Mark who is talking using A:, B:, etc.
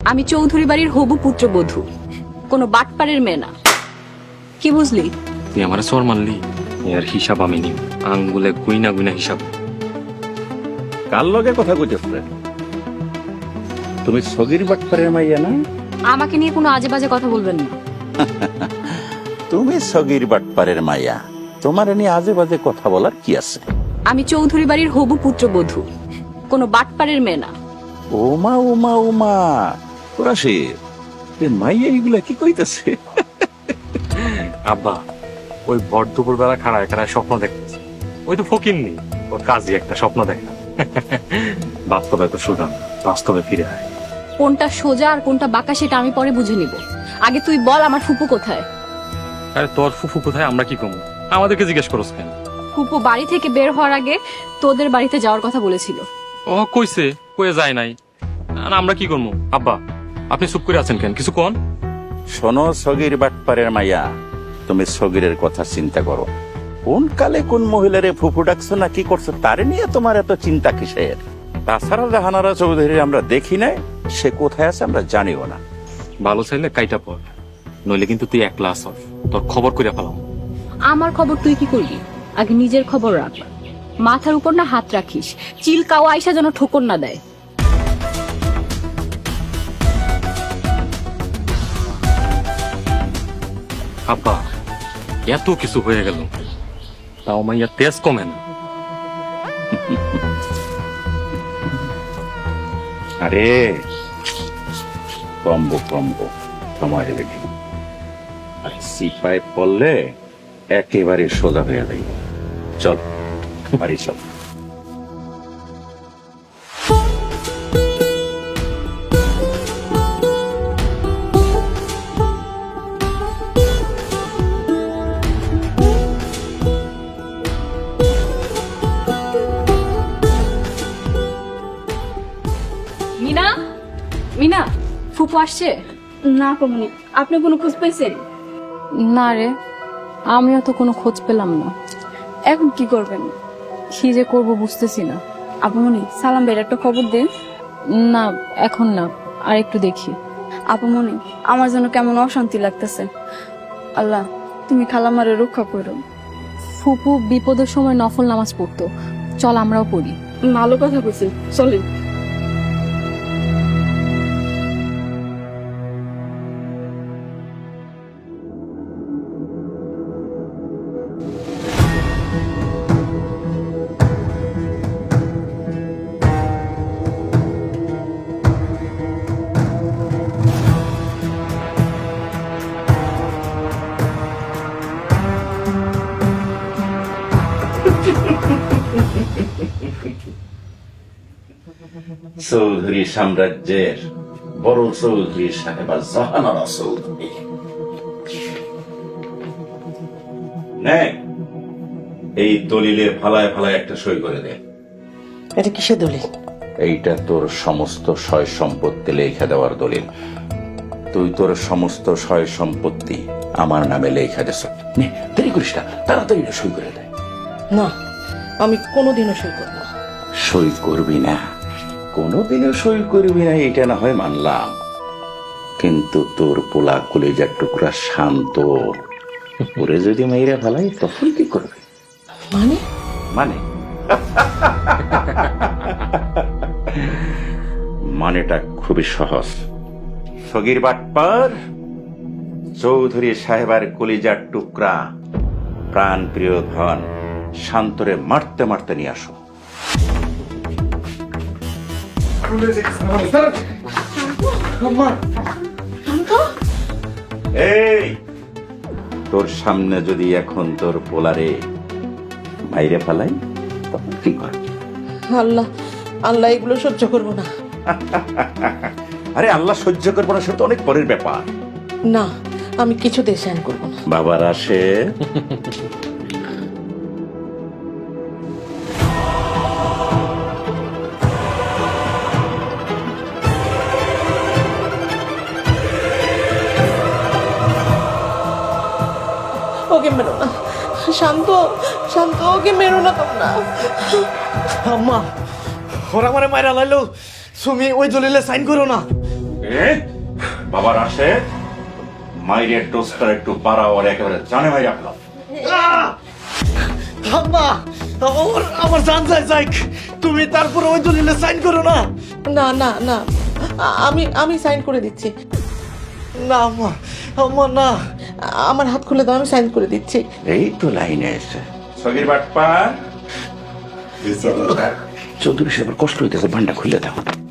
A: আমি চৌধুরী বাড়ির হবু পুত্রবধূ, কোনো বাটপাড়ের মেয়ে না। কি বুঝলি?
B: তুই আমার সর মানলি, এর হিসাব আমি নিব, আঙ্গুলে গুইনা গুইনা হিসাব।
C: কার লগে কথা কইতেছ? তুমি সগির বাটপাড়ের মাইয়া না?
A: আমাকে নিয়ে কোনো আজে বাজে কথা বলবেন না।
C: তুমি সগির বাটপাড়ের মাইয়া, তোমার নিয়ে আজে বাজে কথা বলার কি আছে?
A: আমি চৌধুরী বাড়ির হবু পুত্রবধূ, কোনো বাটপাড়ের মেয়ে না।
C: ওমা ওমা ওমা, তোরা সে মাইয়া এগুলা কি কইতেছে?
B: আব্বা, ওই ভর দুপুর বেলা খাড়ায় খাড়ায় স্বপ্ন দেখতেছে। ওই তো ফকির নি, ওর কাজই একটা স্বপ্ন দেখা। বাস্তবে তো সুদান, বাস্তবে ফিরে আয়।
A: কোনটা সোজা আর কোনটা বাঁকা সেটা আমি পরে বুঝে নিব। আগে তুই বল আমার ফুপু কোথায়?
B: আরে তোর ফুফু কোথায় আমরা কি কমু? আমাদেরকে জিজ্ঞেস করস কেন?
A: ফুপু বাড়ি থেকে বের হওয়ার আগে তোদের বাড়িতে যাওয়ার কথা বলেছিল।
B: ও কইছে, কয়ে যায় নাই। আর আমরা কি করবো? আব্বা, আপনি চুপ করে আছেন কেন? কিছু কোন?
C: শোনো সগির বাটপাড়ের মাইয়া, তুমি সগিরের কথা চিন্তা করো। কোন কালে কোন মহিলারে ফুফু ডাকছো না কি করছো তারে নিয়ে তোমার এত চিন্তা কিসের? তাছাড়া জাহানারা চৌধুরী আমরা দেখি নাই, সে কোথায় আছে আমরা জানিও না।
B: ভালো চাইলে কাইটা পর, নইলে কিন্তু তুই একলা আসর, তোর খবর করে ফেলাম।
A: আমার খবর তুই কি করবি? আগে নিজের খবর রাখ। মাথার উপর না হাত রাখিস, চিল কাওয়া আইসা যেন ঠোকর না দেয়।
B: আব্বা, এত কিছু হয়ে গেল, তাও মাইয়া তেজ কমে না।
C: আরে কম্বো কম্বো, সময় লেগে আর সিপাই পড়লে একেবারে সোজা হয়ে যাবে। চল বাড়ি চল।
A: মিনা, মিনা, ফুপু আসছে?
D: না কমনি, আপনি কোনো খোঁজ পেয়েছেন?
A: না রে, আমিও তো কোনো খোঁজ পেলাম না।
D: এখন কি করবেন?
A: কি যে করবো বুঝতেছি না।
D: আপুমনি, সালাম ভাইয়ের একটা খবর দিন।
A: না, এখন না, আর একটু দেখি।
D: আপুমনি, আমার জন্য কেমন অশান্তি লাগতেছে। আল্লাহ, তুমি খালামারে রক্ষা করো।
A: ফুপু বিপদের সময় নফল নামাজ পড়তো, চল আমরাও পড়ি।
D: ভালো কথা কইছি, চলেন।
C: চৌধুরী সাম্রাজ্যের বড় চৌধুরী সাহেবা জাহানারা চৌধুরী, এই দলিলে ফালায় ফালায় একটা সই করে দে।
E: এটা কিসের দলিল?
C: এইটা তোর সমস্ত সয় সম্পত্তি লেখা দেওয়ার দলিল। তুই তোর সমস্ত সয় সম্পত্তি আমার নামে লেখা দেছ। দেরি করিস না, তাড়াতাড়ি সই করে দে।
E: না, আমি কোনোদিনও সই করব না।
C: সই করবি না? কোনোদিনও সই করবি না এটা না হয় মানলাম, কিন্তু তোর পোলা কলেজার টুকরা শান্ত ওরে যদি মেয়েরা ফেলাই তখন কি করবে?
E: মানে
C: মানে মানেটা খুবই সহজ। সগির বাটপার চৌধুরী সাহেবের কলিজার টুকরা প্রাণ প্রিয় ধন শান্তরে মারতে মারতে নিয়ে আসো। এই তোর সামনে যদি এখন তোর পোলারে বাইরে ফেলাই তখন কি করবি?
E: আল্লাহ, আল্লাহ এগুলো সহ্য করব না।
C: আরে আল্লাহ সহ্য করবো না সেটা তো অনেক পরের ব্যাপার।
E: না, আমি কিছু দেশায়ন করব না।
C: বাবার আসে
E: ওকে মেরো না, শান্ত শান্ত, ওকে মেরো না তোমরা।
F: আম্মা, ওরা মানে মায়েরা লাইলো, তুমি ওই দলিলে সাইন করো না।
C: বাবার আসে মাইরে টোস্টার একটু পাড়া ওর একেবারে জানে মাই রাখলাম।
F: আম্মা আমার জান যায় যাই, তুমি তারপরে ওই দলিলে সাইন করো না।
E: না না না, আমি সাইন করে দিচ্ছি।
F: না আম্মা, আম্মা না।
E: আমার হাত খুলে দাও, আমি সাইন করে দিচ্ছি।
C: এই তো লাইনে এসে সগির বাটপা চৌধুরী সাহেবের কষ্ট হইতেছে, ভান্ডা খুলে দাও।